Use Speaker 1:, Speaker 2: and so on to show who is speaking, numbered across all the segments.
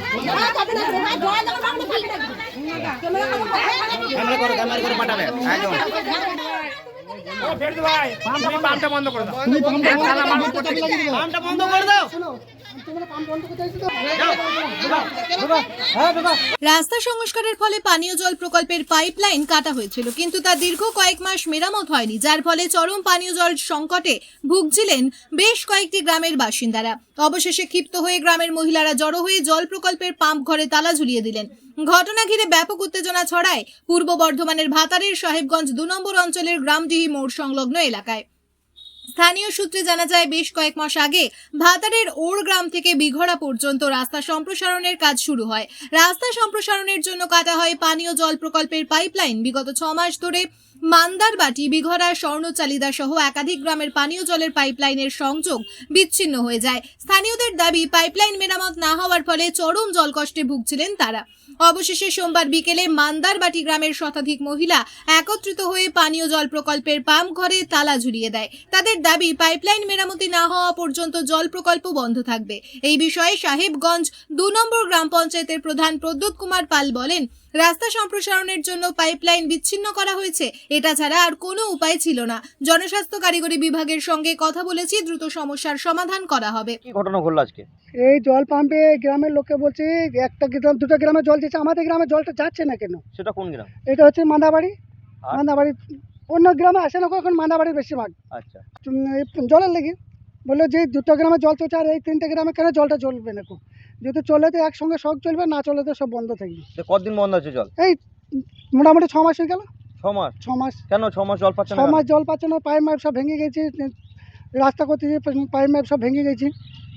Speaker 1: পাম্পটা বন্ধ করে দাও।
Speaker 2: রাস্তা সংস্কারের ফলে পানীয় জল প্রকল্পের পাইপলাইন কাটা হয়েছিল, কিন্তু তা দীর্ঘ কয়েক মাস মেরামত হয়নি, যার ফলে চরম পানীয় জল সংকটে ভুগছিলেন বেশ কয়েকটি গ্রামের বাসিন্দারা। অবশেষে ক্ষিপ্ত হয়ে গ্রামের মহিলারা জড়ো হয়ে জল প্রকল্পের পাম্প ঘরে তালা ঝুলিয়ে দিলেন। ঘটনা ঘিরে ব্যাপক উত্তেজনা ছড়ায় পূর্ব বর্ধমানের ভাতারের সাহেবগঞ্জ 2 নম্বর অঞ্চলের গ্রামডিহি মোড় সংলগ্ন এলাকায়। স্থানীয় সূত্রে জানা যায়, বেশ কয়েক মাস আগে ভাতারের ওর গ্রাম থেকে বিঘড়া পর্যন্ত রাস্তা সম্প্রসারণের কাজ শুরু হয়। রাস্তা সম্প্রসারণের জন্য কাটা হয় পানীয় জল প্রকল্পের পাইপলাইন। বিগত 6 মাস ধরে মান্দারবাটি, বিঘড়া, স্বর্ণচালিদা সহ একাধিক গ্রামের পানীয় জলের পাইপলাইনের সংযোগ বিচ্ছিন্ন হয়ে যায়। স্থানীয়দের দাবি, পাইপলাইন মেরামত না হওয়ার ফলে চরম জলকষ্টে ভুগছিলেন তারা। অবশেষে সোমবার বিকেলে মান্দারবাটি গ্রামের শতাধিক মহিলা একত্রিত হয়ে পানীয় জল প্রকল্পের পাম্প ঘরে তালা ঝুলিয়ে দেয়। তাদের দাবি, পাইপলাইন মেরামতি না হওয়া পর্যন্ত জল প্রকল্প বন্ধ থাকবে। এই বিষয়ে সাহেবগঞ্জ 2 নম্বর গ্রাম পঞ্চায়েতের প্রধান প্রদ্যোৎ কুমার পাল বলেন, রাস্তা সম্প্রসারণের জন্য পাইপলাইন বিচ্ছিন্ন করা হয়েছে, এটা ছাড়া আর কোনো উপায় ছিল না। জনস্বাস্থ্য কারিগরি বিভাগের সঙ্গে কথা বলেছি, দ্রুত সমস্যার সমাধান করা হবে।
Speaker 1: কি ঘটনা ঘটলো আজকে?
Speaker 3: এই জল পাম্পে গ্রামের লোককে বলছে একটা গ্রাম, 2টা গ্রামে জল দিচ্ছে, আমাদের গ্রামে জলটা যাচ্ছে না কেন?
Speaker 1: সেটা কোন গ্রাম?
Speaker 3: এটা হচ্ছে মান্দাবাড়ি। মান্দাবাড়ি অন্য গ্রামে আসে না, এখন মান্দাবাড়ির বেশিরভাগ।
Speaker 1: আচ্ছা,
Speaker 3: জলের লেগে বললো যে 2টা গ্রামে জল চলছে, আর এই 3টে গ্রামে কেন জলটা চলবে না? যদি চলে তো একসঙ্গে সব চলবে, না চলে তো সব বন্ধ থাকবে।
Speaker 1: কতদিন বন্ধ আছে জল?
Speaker 3: এই মোটামুটি 6 মাস হয়ে গেল।
Speaker 1: 6 মাস?
Speaker 3: 6 মাস।
Speaker 1: কেন 6 মাস জল পাচ্ছে না?
Speaker 3: 6 মাস জল পাচ্ছে না, পাইপ মাইপ সব ভেঙে গেছে, রাস্তা করতে পাইপ মাইপ সব ভেঙে গেছে,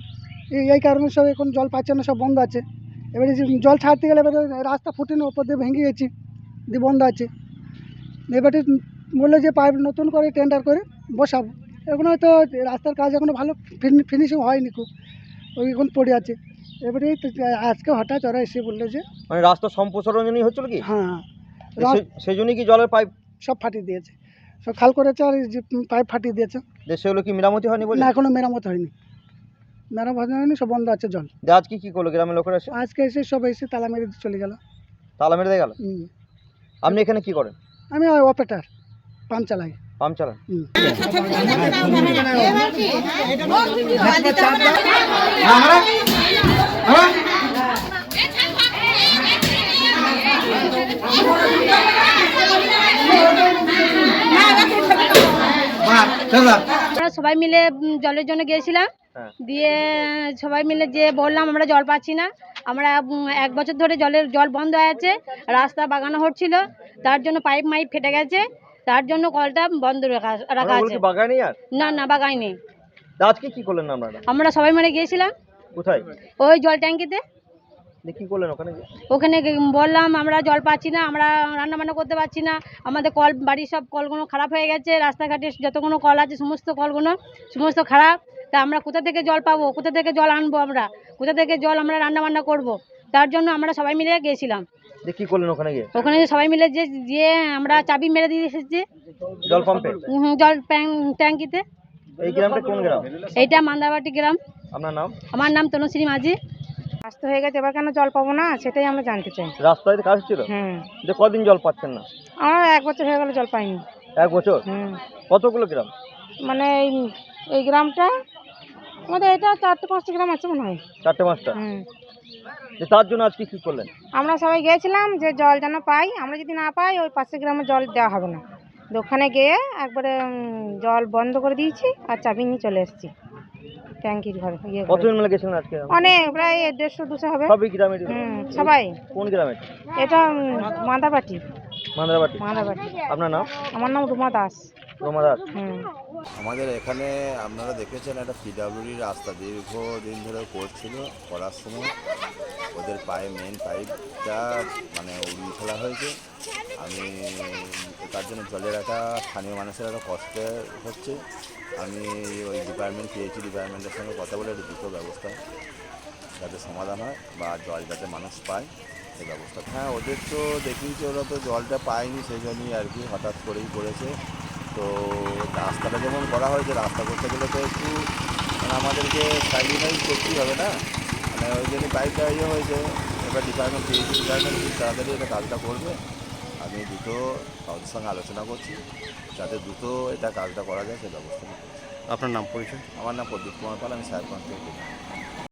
Speaker 3: এই কারণে সব এখন জল পাচ্ছে না, সব বন্ধ আছে। এবারে জল ছাড়তে গেলে এবারে রাস্তা ফুটেনি, ওপর দিয়ে ভেঙে গেছে, দিয়ে বন্ধ আছে। এবারে বললো যে পাইপ নতুন করে টেন্ডার করে বসাবো। এখন হয়তো রাস্তার কাজ এখনও ভালো ফিনিশিং হয়নি, খুব ওই এখন পড়ে আছে। এবারে আজকে হঠাৎ ওরা এসে বললো যে
Speaker 1: মানে রাস্তা সম্প্রসারণের জন্যই হচ্ছিল কি?
Speaker 3: হ্যাঁ,
Speaker 1: সেই জন্যই কি জলের পাইপ
Speaker 3: সব ফাটিয়ে দিয়েছে, সব খাল করেছে আর পাইপ ফাটিয়ে দিয়েছে।
Speaker 1: সেগুলো কি মেরামতি হয়নি বলে?
Speaker 3: না, এখনো মেরামত হয়নি, মেরামত হয়নি, সব বন্ধ আছে জল।
Speaker 1: আজকে কি করলো গ্রামের লোকেরা?
Speaker 3: আজকে এসে সব এসে তালা মেরে চলে গেল।
Speaker 1: তালা মেরে দিয়ে গেল? আপনি এখানে কি করেন?
Speaker 3: আমি অপারেটর, পাম্প চালাই।
Speaker 1: পাম্প চালান?
Speaker 4: আমরা সবাই মিলে জলের জন্য গিয়েছিলাম, দিয়ে সবাই মিলে যে বললাম আমরা জল পাচ্ছি না, আমরা 1 বছর ধরে জল বন্ধ হয়ে আছে, রাস্তা বাগানো হচ্ছিল, তার জন্য পাইপ মাইপ ফেটে গেছে, তার জন্য কলটা বন্ধ রাখা আছে। না বাগাইনি।
Speaker 1: আজকে কি করলেন আপনারা?
Speaker 4: আমরা সবাই মিলে গিয়েছিলাম।
Speaker 1: কোথায়?
Speaker 4: ওই জল ট্যাঙ্কিতে।
Speaker 1: কি করলেন ওখানে?
Speaker 4: ওখানে বললাম আমরা জল পাচ্ছি না, আমরা রান্না বান্না করতে পারছি না, আমাদের কল, বাড়ির সব কলগুলো খারাপ হয়ে গেছে, রাস্তাঘাটে যতগুলো কল আছে সমস্ত কলগুলো সমস্ত খারাপ, তা আমরা কোথা থেকে জল পাবো, কোথা থেকে জল আনবো, আমরা কোথা থেকে জল আমরা রান্না বান্না করবো? তার জন্য আমরা সবাই মিলে গিয়েছিলাম।
Speaker 1: কি করলেন ওখানে গিয়ে?
Speaker 4: ওখানে সবাই মিলে যে আমরা চাবি মেরে দিয়ে এসেছি
Speaker 1: জল পাম্পে,
Speaker 4: জল ট্যাঙ্কিতে।
Speaker 1: এই গ্রামটা কোন গ্রাম?
Speaker 4: এইটা মান্দারবাটি গ্রাম।
Speaker 1: আপনার নাম?
Speaker 4: আমার নাম তনুশ্রী মাঝি।
Speaker 5: রাস্তা হয়ে গেছে, এবার কেন জল পাবো না সেটাই আমরা জানতে চাই।
Speaker 1: রাস্তায় কাজ ছিল? যে কদিন জল পাচ্ছেন না?
Speaker 5: আমরা 1 বছর হয়ে গেল জল পাইনি।
Speaker 1: 1 বছর? কতগুলো গ্রাম?
Speaker 5: মানে এই গ্রামটা আমাদের, এটা 4-5টা গ্রাম আছে মনে হয়।
Speaker 1: 4-5টা? তার জন্য আজকে কি করলেন?
Speaker 5: আমরা সবাই গিয়েছিলাম যে জল যেন পাই, আমরা যদি না পাই ওই পাশের গ্রামে জল দেওয়া হবে না। ওখানে গিয়ে একবারে জল বন্ধ করে দিয়েছি আর চাবি নিয়ে চলে এসেছি ট্যাঙ্কির ঘরে।
Speaker 1: কতজন মিলে গেছিলেন আজকে?
Speaker 5: অনেক, প্রায় 150-200 হবে।
Speaker 1: সবই গ্রামের?
Speaker 5: সবাই।
Speaker 1: কোন গ্রামের?
Speaker 5: এটা মান্দারবাটি।
Speaker 1: মান্দারবাটি?
Speaker 5: মান্দারবাটি।
Speaker 1: আপনার নাম?
Speaker 5: আমার নাম রুমা দাস।
Speaker 1: রুমা দাস।
Speaker 6: আমাদের এখানে আপনারা দেখেছেন একটা পিডব্লিউডি রাস্তা দীর্ঘদিন ধরে করার সময় ওদের মেন পাইপটা মানে উড়িয়ে ফেলা হয়েছে। আমি তার জন্য জলের একটা স্থানীয় মানুষের একটা কষ্ট হচ্ছে। আমি ওই পিএইচই ডিপার্টমেন্টের সঙ্গে কথা বলে একটা দ্রুত ব্যবস্থা যাতে সমাধান হয় বা জল যাতে মানুষ পায় সেই ব্যবস্থা। হ্যাঁ, ওদের তো দেখিয়েছি, ওরা তো জলটা পায়নি, সেই জন্যই আর কি হঠাৎ করেই করেছে। তো রাস্তাটা যেমন করা হয়েছে, রাস্তা করতে গেলে তো একটু মানে আমাদেরকে স্যাক্রিফাইস করতেই হবে না। মানে ওই জন্যই পাইপটা ইয়ে হয়েছে। এবার ডিপার্টমেন্ট পিএইচডি ডিপার্টমেন্ট খুব তাড়াতাড়ি এটা কাজটা করবে। আমি দ্রুত তাদের সঙ্গে আলোচনা করছি যাতে দ্রুত এটা কাজটা করা যায় সে ব্যবস্থা নিচ্ছি।
Speaker 1: আপনার নাম পরিচয়?
Speaker 6: আমার নাম প্রদীপ কুমার পাল, আমি সাহেবগঞ্জ থেকে।